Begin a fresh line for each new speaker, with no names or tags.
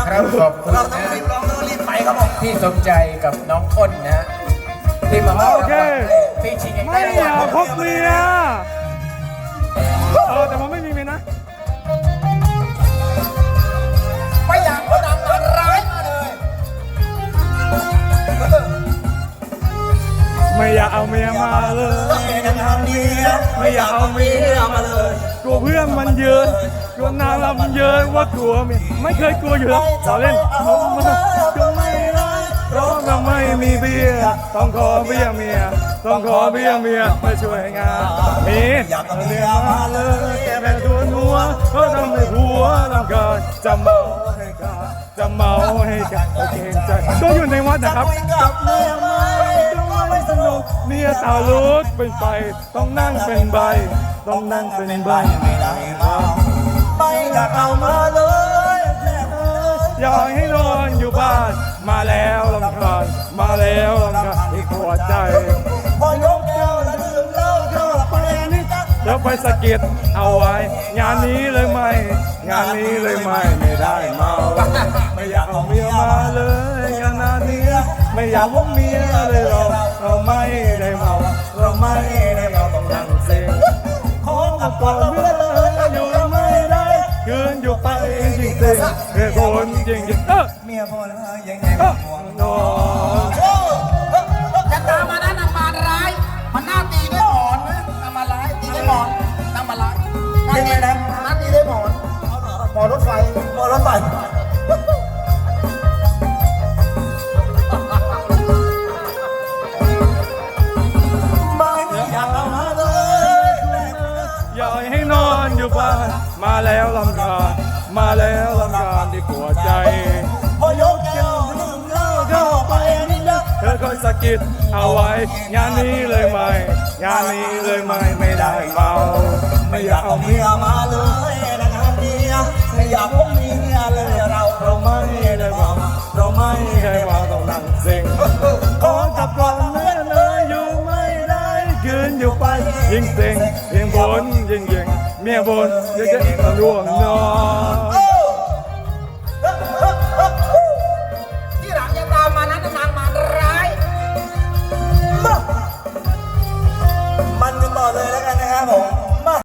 ครับขอบคุณ
เราต้อง
นะ
รีบร้องต้องรีบไปครับผม
พี่สมใจกับน้องอ้นนะที่มา
โอเค
พี่ชิง
ไม่อยากพบเมียแต่ผมไม่มีเมียนะ
ไม่อยากคนนำมาร้ายมาเลย
ไม่อยากเอาเมียมาเลย
กันทางเดียวไม่อยากเอาเมียมาเลย
กลัวเพื่อนมันเยอะกลัวนางรำเยอะว่ากลัวเมียไม่เคยกลัวอยู่แล้วเราเล่นผมก็ไม่ได้เพราะเราไม่มีเบียร์ต้องขอเบียร์เมียต้องขอเบียร์เมียมาช่วยงานมี
อยากเอาเมียมาเลย
แกแม่ตัวนัวเพราะทำให้ผัวรำคาญจะเมาให้กันจะเมาให้กันโอเคใจก็อยู่ในวัดนะครับ
กับเมียไหม
ไม่สนุกเมียสาวรถเป็นไฟต้องนั่งเป็นใบต้องนั่งเป็นใบ
ไม่ได้มาไม่อยากเอามาเลย
อยากให้นอนอยู่บ้านมาแล้วลำคาญมาแล้วลำคาญที่หัวใจ
พอยกแก้วแล้วดื่มเหล้าเข้าไปนี่จ้ะ
แล้วไปสะกิดเอาไว้ งานนี้เลยไหมงานนี้เลยไหมไม่ได้เมาไม่อยากเอาเมียมาเลยงานนี้ไม่อยากพบเมียเลยเราไม่ได้เมาเราไม่ได้เมาต้องนั่งเซ็ง
ขอ
ข
กั
อ
บบ
ก่อนเมื่ออยู่ไม่ได้คืนอยู่ไปจริงจริงเหตุผลจริงจริง
เมียพอแล้วยังไง
ห่วงนอน
จะตามมานะนำมาร้าย มันน่าตีด้วยหมอนนะนำมาร้ายตีด้วยหมอนนำมาร้ายยังไงนะน่าตีด้วยหมอนหมอนรถไฟหมอนรถไฟไม่อยากเอามาเลย
อยากให้นอนอยู่บ้านมาแล้วลำคาญมาแล้วลำคาญที่ปวดใจ
พอยกแก้วดื่มเหล้าเข้าไปนี่นะ
เธอคอยสะกิดเอาไว้ งานนี้เลยไหมงานนี้เลยไหมไม่ได้เมา
ไม่อยากเอาเมียมาเลยนะครับเมียไม่อยากพบเมียเลยเราไม่ได้เมาเราไม่
ไม่
ได้
ได้
เมา
มาต้องนั่งเซ็งขอกลับก่อนเมื่อเลยอยู่ไม่ได้คืนอยู่ไปยิ่งเซ็งยิ่งบ่นยิ่งเมียบ่นยิ่งจะร่วงนอน